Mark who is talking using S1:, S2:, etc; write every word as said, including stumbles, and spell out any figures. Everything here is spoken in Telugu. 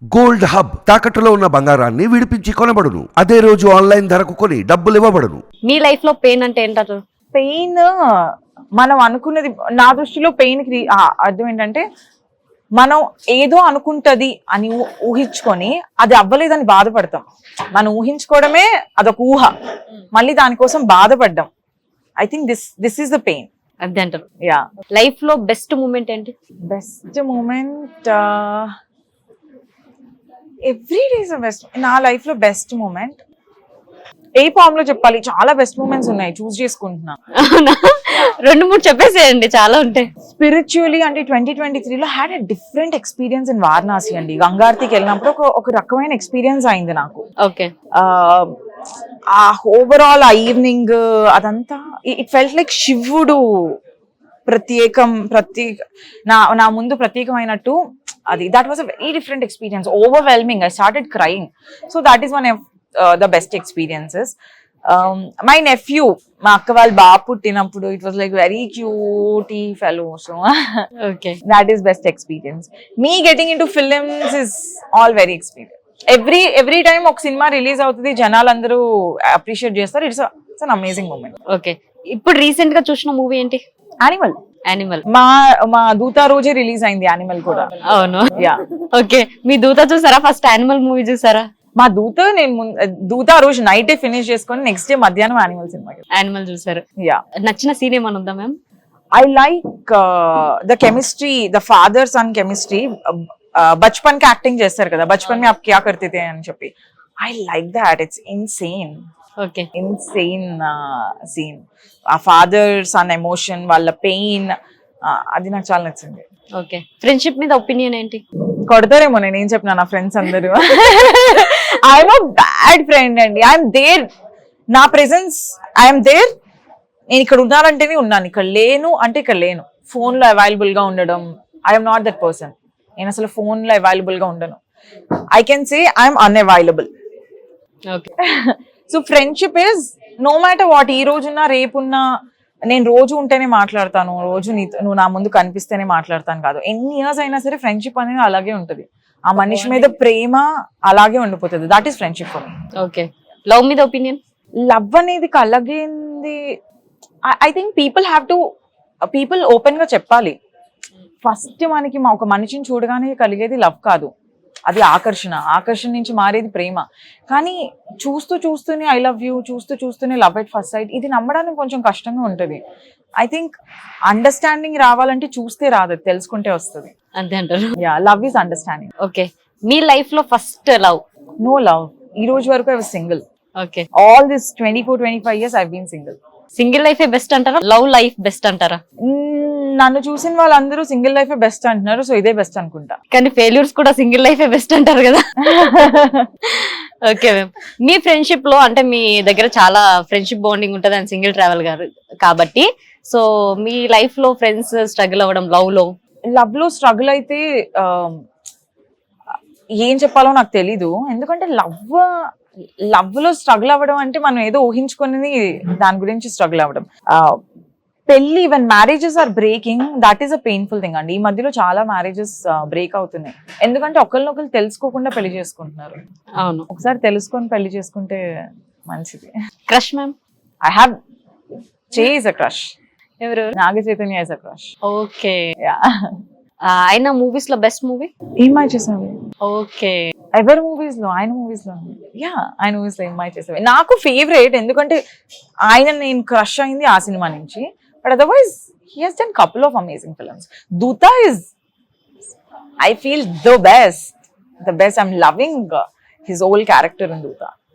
S1: గోల్డ్ హబ్ తాకట్టులో ఉన్న బంగారాన్ని విడిపించి కొనబడును. అదే రోజు ఆన్లైన్ ధరకు కొని డబ్బులు ఇవ్వబడును.
S2: మీ లైఫ్ లో పెయిన్ అంటే ఏంటారు?
S3: పెయిన్ మనం అనుకున్నది, నా దృష్టిలో పెయిన్ కి ఆ, అర్థం ఏంటంటే మనం ఏదో అనుకుంటది అని ఊ- ఊహించుకొని అది అవ్వలేదని బాధపడతాం. మనం ఊహించుకోవడమే అదొక ఊహ, మళ్ళీ దానికోసం బాధపడ్డాం. I think this this is the pain.
S2: అదే అంటారు.
S3: యా.
S2: లైఫ్ లో బెస్ట్ మూమెంట్ ఏంటి?
S3: Best moment every days best. నా లైఫ్ లో బెస్ట్ మూమెంట్ ఏ ఫామ్ లో చెప్పాలి? చాలా బెస్ట్ మూమెంట్స్ ఉన్నాయి, చూస్ చేసుకుంటున్నా.
S2: అవునా? రెండు మూడు చెప్పేసేయండి, చాలా ఉంటాయి.
S3: స్పిరిచువలీ అంటే ట్వంటీ ట్వంటీ త్రీలో had a different experience in Varanasi అండి. గంగారతికి వెళ్ళినప్పుడు ఒక ఒక రకమైన ఎక్స్పీరియన్స్ అయింది నాకు.
S2: ఓకే.
S3: ఆ ఓవరాల్ ఆ ఈవినింగ్ అదంతా ఇట్ ఫెల్ట్ లైక్ శివుడు ప్రత్యేకం ప్రత్యేక నా నా ముందు ప్రత్యేకమైనట్టు. అది that was a very different experience, overwhelming. I started crying. So that is one of the best experiences. My nephew, మా అక్క వాళ్ళ బాబు పుట్టినప్పుడు it was like very cute ఈ fellow. So
S2: okay.
S3: that is best experience. Me getting into films is all very experience. Every every time ఒక సినిమా రిలీజ్ అవుతుంది, జనాలు అందరూ అప్రిషియేట్ చేస్తారు. It's it's an amazing moment.
S2: Okay. ఇప్పుడు రీసెంట్ గా చూసిన మూవీ ఏంటి?
S3: యానిమల్.
S2: యానిమల్.
S3: మా మా దూత రోజే రిలీజ్ అయింది యానిమల్ కూడా.
S2: అవును.
S3: యా.
S2: ఓకే. మీ దూత చూసారా? ఫస్ట్ యానిమల్ మూవీ చూసారా?
S3: మా దూత నేను ముం- దూత రోజు నైట్ ఫినిష్ చేసుకొని నెక్స్ట్ డే మధ్యాహ్నం యానిమల్ సినిమాకి.
S2: యానిమల్ చూసారు.
S3: యా.
S2: నచ్చిన సీన్ ఏమైనా ఉందా ma'am?
S3: I like uh, the chemistry, the father son chemistry. బచ్పన్ కి యాక్టింగ్ చేస్తారు కదా, బచ్పన్ మే ఆప్ క్యా కర్తే తే అని చెప్పి. I like that. It's insane
S2: okay.
S3: Insane scene. ఆ ఫాదర్ సన్ ఎమోషన్, వాళ్ళ పెయిన్, అది నాకు చాలా నచ్చింది.
S2: ఓకే. ఫ్రెండ్షిప్ మీద ఒపీనియన్ ఏంటి?
S3: కొడతారేమో నేను ఏం చెప్పినా నా ఫ్రెండ్స్ అందరూ. ఐఎమ్ అ బ్యాడ్ ఫ్రెండ్ అండి. ఐఎమ్ దేర్, నా ప్రెసెన్స్ ఐఎమ్ దేర్. నేను ఇక్కడ ఉన్నానంటేనే ఉన్నాను, ఇక్కడ లేను అంటే ఇక్కడ లేను. ఫోన్ లో అవైలబుల్ గా ఉండడం, ఐఎమ్ నాట్ దట్ పర్సన్. నేను అసలు ఫోన్ లో అవైలబుల్ గా ఉండను. I can say I'm unavailable.
S2: Okay.
S3: So friendship is no matter what. ఈ రోజున్నా రేపున్నా నేను రోజు ఉంటేనే మాట్లాడతాను, రోజు నీ నువ్వు నా ముందు కనిపిస్తేనే మాట్లాడతాను కాదు. ఎన్ని ఇయర్స్ అయినా సరే ఫ్రెండ్షిప్ అనేది అలాగే ఉంటది. ఆ మనిషి మీద ప్రేమ అలాగే ఉండిపోతుంది. That is friendship for me.
S2: Okay. Love మీద ఒపీనియన్?
S3: లవ్ అనేది కలగింది. I think people have to people open గా చెప్పాలి. ఫస్ట్ మనకి మా ఒక మనిషిని చూడగానే కలిగేది లవ్ కాదు, అది ఆకర్షణ. ఆకర్షణ నుంచి మారేది ప్రేమ. కానీ చూస్తూ చూస్తూనే ఐ లవ్ యూ, చూస్తూ చూస్తూనే లవ్ ఎట్ ఫస్ట్ సైట్, ఇది నమ్మడానికి కొంచెం కష్టంగా ఉంటుంది. ఐ థింక్ అండర్స్టాండింగ్ రావాలంటే చూస్తే రాదు, తెలుసుకుంటే వస్తుంది.
S2: అంతే అంటారు.
S3: Yeah, love is understanding.
S2: Okay. మీ లైఫ్ లో ఫస్ట్ లవ్?
S3: No love. ఈ రోజు వరకు I was single.
S2: Okay.
S3: All this twenty four twenty five years I been single.
S2: Single లైఫే బెస్ట్ అంటారా? లవ్ లైఫ్ బెస్ట్ అంటారా?
S3: నన్ను చూసిన వాళ్ళందరూ సింగిల్ లైఫ్ బెస్ట్ అంటున్నారు, సో ఇదే బెస్ట్ అనుకుంటా.
S2: కానీ ఫెయిల్యూర్స్ కూడా సింగిల్ లైఫే బెస్ట్ అంటారు కదా. Okay ma'am. మీ ఫ్రెండ్షిప్ లో అంటే మీ దగ్గర చాలా ఫ్రెండ్షిప్ బాండింగ్ ఉంటుంది అండ్ సింగిల్ ట్రావెల్ గారు కాబట్టి, సో మీ లైఫ్ లో ఫ్రెండ్స్ స్ట్రగుల్ అవ్వడం, లవ్ లో
S3: లవ్ లో స్ట్రగుల్ అయితే ఆ, ఏం చెప్పాలో నాకు తెలీదు. ఎందుకంటే లవ్ లవ్ లో స్ట్రగుల్ అవ్వడం అంటే మనం ఏదో ఊహించుకుని దాని గురించి స్ట్రగుల్ అవ్వడం. ఆ, పెళ్లి, even marriages are breaking, that is a painful thing అండి. ఈ మధ్యలో చాలా మ్యారేజెస్ బ్రేక్ అవుతున్నాయి, ఎందుకంటే ఒకరినొకరు తెలుసుకోకుండా పెళ్లి చేసుకుంటున్నారు.
S2: అవును.
S3: ఒకసారి తెలుసుకొని పెళ్లి చేసుకుంటే మంచిది.
S2: Crush ma'am?
S3: I have chase a crush.
S2: ఎవరు?
S3: Naga Chaitanya is a crush.
S2: Okay.
S3: Yeah.
S2: ఆయన మూవీస్ లో బెస్ట్ మూవీ?
S3: ఏమై చేసావు?
S2: ఓకే.
S3: ఎవరి మూవీస్ లో? ఆయన మూవీస్ లో. యా, ఆయన మూవీస్ లో ఏమై చేసావు నాకు ఫేవరెట్. ఎందుకంటే ఆయన నేను క్రష్ అయింది ఆ సినిమా నుంచి. But otherwise he has done couple of amazing films. Dhootha is I feel the best the best. I'm loving his whole character in దూత.